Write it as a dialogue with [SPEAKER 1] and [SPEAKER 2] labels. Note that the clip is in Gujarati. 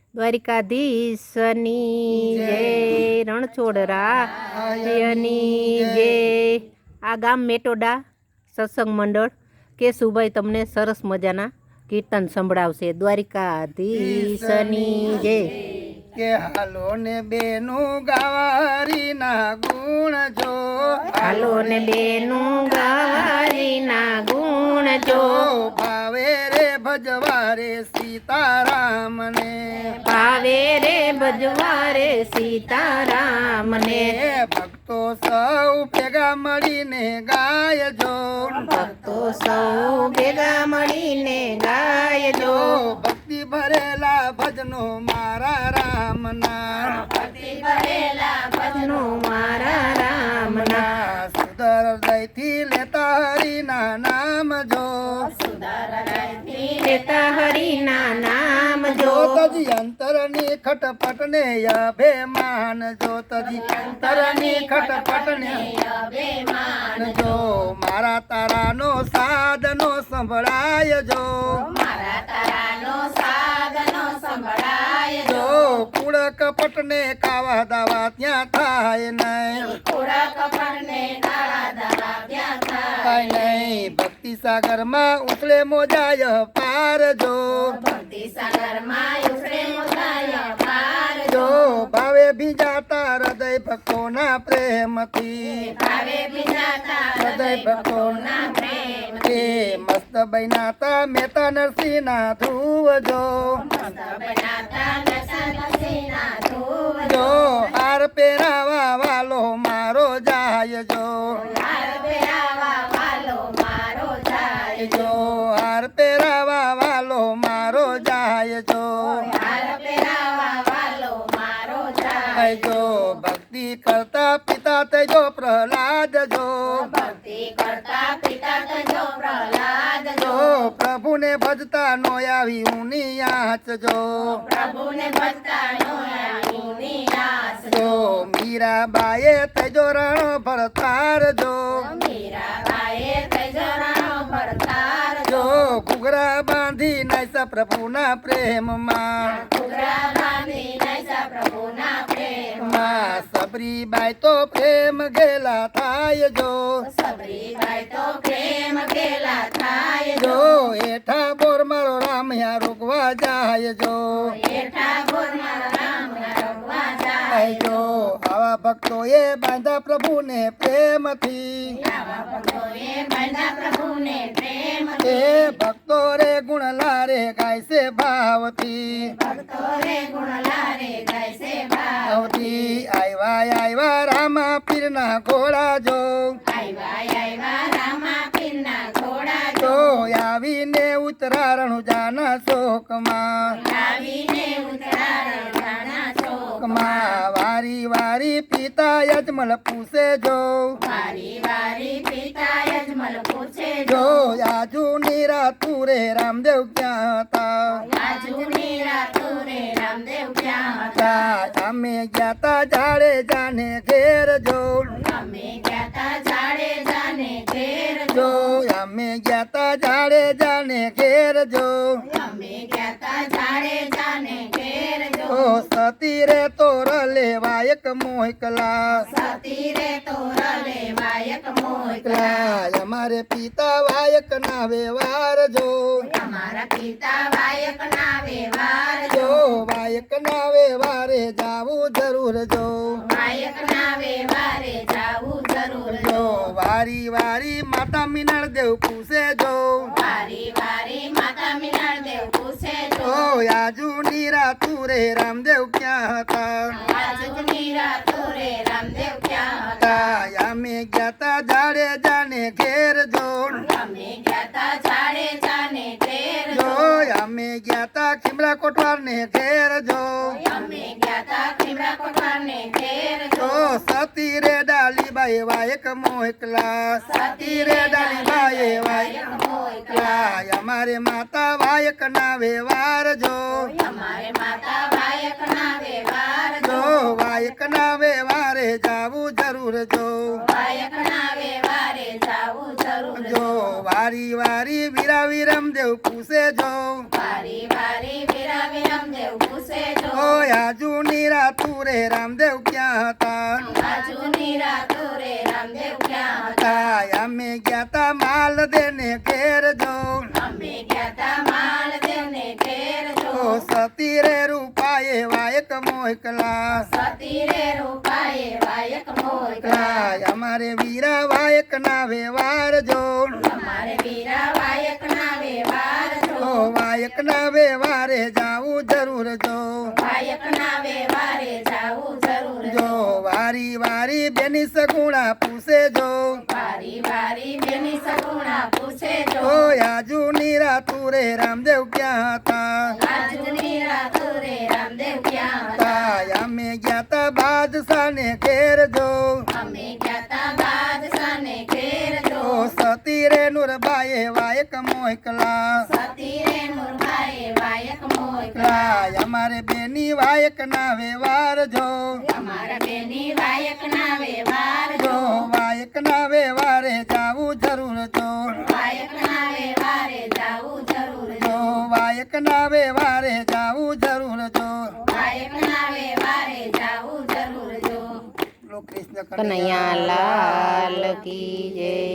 [SPEAKER 1] દ્વારિકાધીશની જય, રણછોડરાયની જય। આ ગામ મેટોડા સત્સંગ મંડળ કેશુભાઈ તમને સરસ મજાના કીર્તન સંભળાવશે। દ્વારિકાધીશની જય।
[SPEAKER 2] કે હાલો ને બેનું ગાવારીના ગુણ જો,
[SPEAKER 1] હાલો ને બેનું ગાવારીના ગુણ જો,
[SPEAKER 2] ભાવે રે ભજવારે સીતારામને,
[SPEAKER 1] ભાવે રે ભજવારે સીતારામને।
[SPEAKER 2] ભક્તો સૌ ભેગા મળીને ગાયજો,
[SPEAKER 1] ભક્તો સૌ ભેગા મળીને ગાયજો,
[SPEAKER 2] ભક્તિ ભરેલા ભજનો મારા રામના,
[SPEAKER 1] ભક્તિ ભરેલા ભજનો મારા રામના।
[SPEAKER 2] સુદર હૃદયથી લેતા હરિના નામ જો,
[SPEAKER 1] સુદર હૃદયથી લેતા હરિના નામ જો,
[SPEAKER 2] તજી અંતરની ખટપટ ને અભિમાન જો, તજી અંતરની ખટપટ ને
[SPEAKER 1] અભિમાન
[SPEAKER 2] જો, મારા તારાનો સાધનો સંભળાય જો,
[SPEAKER 1] મારા તારાનો સાધનો સંભળાય
[SPEAKER 2] જો, કુળ કપટ ને કાવા દાવા ત્યાં થાય નહીં,
[SPEAKER 1] કુળ કપટ ને કાવા દાવા ત્યાં થાય
[SPEAKER 2] નહીં, ભક્તિ સાગર માં ઉછળે મોજાય પાર જો,
[SPEAKER 1] ભક્તિ સાગર માં ઉછળે મોજાય પાર
[SPEAKER 2] જો, ભાવે ભીજાતા હૃદય ભક્તોના પ્રેમથી,
[SPEAKER 1] ભાવે ભીજાતા
[SPEAKER 2] હૃદય ભક્તોના
[SPEAKER 1] પ્રેમથી,
[SPEAKER 2] મસ્ત બન્યાતા મહેતા નરસિંહના ધ્રુવ જો,
[SPEAKER 1] મસ્ત બનાતા નરસિંહના ધ્રુવ
[SPEAKER 2] જો, હાર પહેરાવા વાલો મારો જાય જો,
[SPEAKER 1] હાર પહેરાવા વાલો મારો જાય
[SPEAKER 2] જો, હાર પહેરાવા વાલો મારો જાય જો,
[SPEAKER 1] હાર પહેરાવા વાલો મારો જાય
[SPEAKER 2] જો, ભક્તિ કરતા પિતા તેજો પ્રહલાદ જો,
[SPEAKER 1] ભક્તિ કરતા પિતા તજો પ્રહલાદ
[SPEAKER 2] જો, પ્રભુને ભજતા નો આવી ઊની આંચ જો,
[SPEAKER 1] પ્રભુને ભજતા નો આવીની આસ
[SPEAKER 2] જો, મીરાબાએ તેજો રણ ભરતાર જો,
[SPEAKER 1] મીરાબાઈએ તજો રાણો ભરતાર
[SPEAKER 2] જો, ઘૂઘરા બાંધી નાયસા પ્રભુના પ્રેમમાં,
[SPEAKER 1] ઘૂઘરા બાંધી નાયસા પ્રભુના પ્રેમમાં,
[SPEAKER 2] સબરીબાઈ તો પ્રેમ ગેલા થાય જો,
[SPEAKER 1] સબરીબાઈ તો પ્રેમ ગેલા થાય
[SPEAKER 2] જો, એઠા બોર મારો રામ યા રોકવા જાય જો,
[SPEAKER 1] એઠા ગોરમાં રામ રમવા જાય
[SPEAKER 2] જો, આવા ભક્તોએ બાંધા પ્રભુને પ્રેમથી,
[SPEAKER 1] આવા ભક્તોએ બાંધા પ્રભુને પ્રેમ
[SPEAKER 2] એ ભક્તો રે ગુણ લારે ગાય છે ભાવથી,
[SPEAKER 1] ભક્તો રે ગુણ લારે ગાય છે ભાવ
[SPEAKER 2] ભાવથી આવ્યા રામા પીરના ઘોડા જો,
[SPEAKER 1] આવ્યા રામા પીરના ઘોડા
[SPEAKER 2] જો, આવીને ઉતરારણ જાના શોકમાં,
[SPEAKER 1] આવીને ઉતરારણ જાના
[SPEAKER 2] માં વારી વારી પિતા યજમલ પૂછે જો,
[SPEAKER 1] વારી વારી પિતા યજમલ પૂછે
[SPEAKER 2] જો, આજુ નીરા તુરે રામદેવ ક્યાં હતા,
[SPEAKER 1] આજુની રાતુરે રામદેવ ક્યાં હતા
[SPEAKER 2] અમે ગયા તા જાડે જાને ઘેર જો,
[SPEAKER 1] અમે ગયા તા જાડે જાને ઘેર
[SPEAKER 2] જો, અમે ગયા તા જાડે જાને ઘેર જો,
[SPEAKER 1] અમે ગયા તા જાડે જાને ઘેર
[SPEAKER 2] ઓ સતી રે તોર લેવાયક મોકલા,
[SPEAKER 1] સતી રે તોર લેવાયક મોકલા
[SPEAKER 2] અમારે પિતા વાયક ના વ્યવહાર જો,
[SPEAKER 1] અમારા પિતા વાયક ના વ્યવહાર
[SPEAKER 2] જો, વાયક ના વ્યવહારે જાવું જરૂર જો,
[SPEAKER 1] વાયક ના વ્યવહારે જાવું જરૂર
[SPEAKER 2] જો, વારી વારી માતા મિનળ દેવ પૂછે જો,
[SPEAKER 1] વારી વારી માતા મિનળ દેવ પૂછે
[SPEAKER 2] ઓ આજુ નીરા તુરે રામદેવ ક્યાં હતા,
[SPEAKER 1] આજુની રાતુરે રામદેવ ક્યાં હતા
[SPEAKER 2] અમે ગયા તા જાડે જાને ઘેર જો,
[SPEAKER 1] અમે ગયા તા જાડે જાને ઘેર
[SPEAKER 2] જો, અમે ગયા તા ખીમરા કોટવાર ને ઘેર જો,
[SPEAKER 1] અમે ગયા તા ખીમરા કોઠારને ઘેર
[SPEAKER 2] જો, સતી રે ડાલીબાઈ વાયક મોકલા, સતી રે ડાલીબાઈ વાયક
[SPEAKER 1] મોકલા
[SPEAKER 2] અમારે માતા વાયક ના વ્યવહાર જો,
[SPEAKER 1] અમારે માતા વાયક ના વ્યવહાર
[SPEAKER 2] જો, વાયક ના વ્યવહારે જાવું જરૂર જો,
[SPEAKER 1] વાયક ના વ્યવહારે જાવું જરૂર
[SPEAKER 2] જો, વારી વારી વીરા વિરમ દેવ પૂછે જો,
[SPEAKER 1] વારી વારી વીરા વિરમ દેવ પૂછે જો
[SPEAKER 2] આજુની રાતું રે રામદેવ ક્યાં હતા અમે ગયા તા માલ દેને ઘેર જો સતી રે રૂપાએ વાયક મોકલા અમારે વીરા વાયક ના વ્યવહાર જો વાયક ના વ્યવહારે જાવું જરૂર જો વારી વારી બેની સગુણા પૂછે જો ઓ આજુની રાતું રે રામદેવ ક્યાં હતા અમે ગયા તા બાદશાહ ને ઘેર જો સતી રે નુરબાએ વાયક મોકલા અમારે બેની વાયક ના વ્યવહાર જો વાયક ના વ્યવહારે જાવું જરૂર જો વાયક ના વ્યવહારે જાવું જરૂર જો કૃષ્ણ
[SPEAKER 1] કનૈયા લાલ કી જય.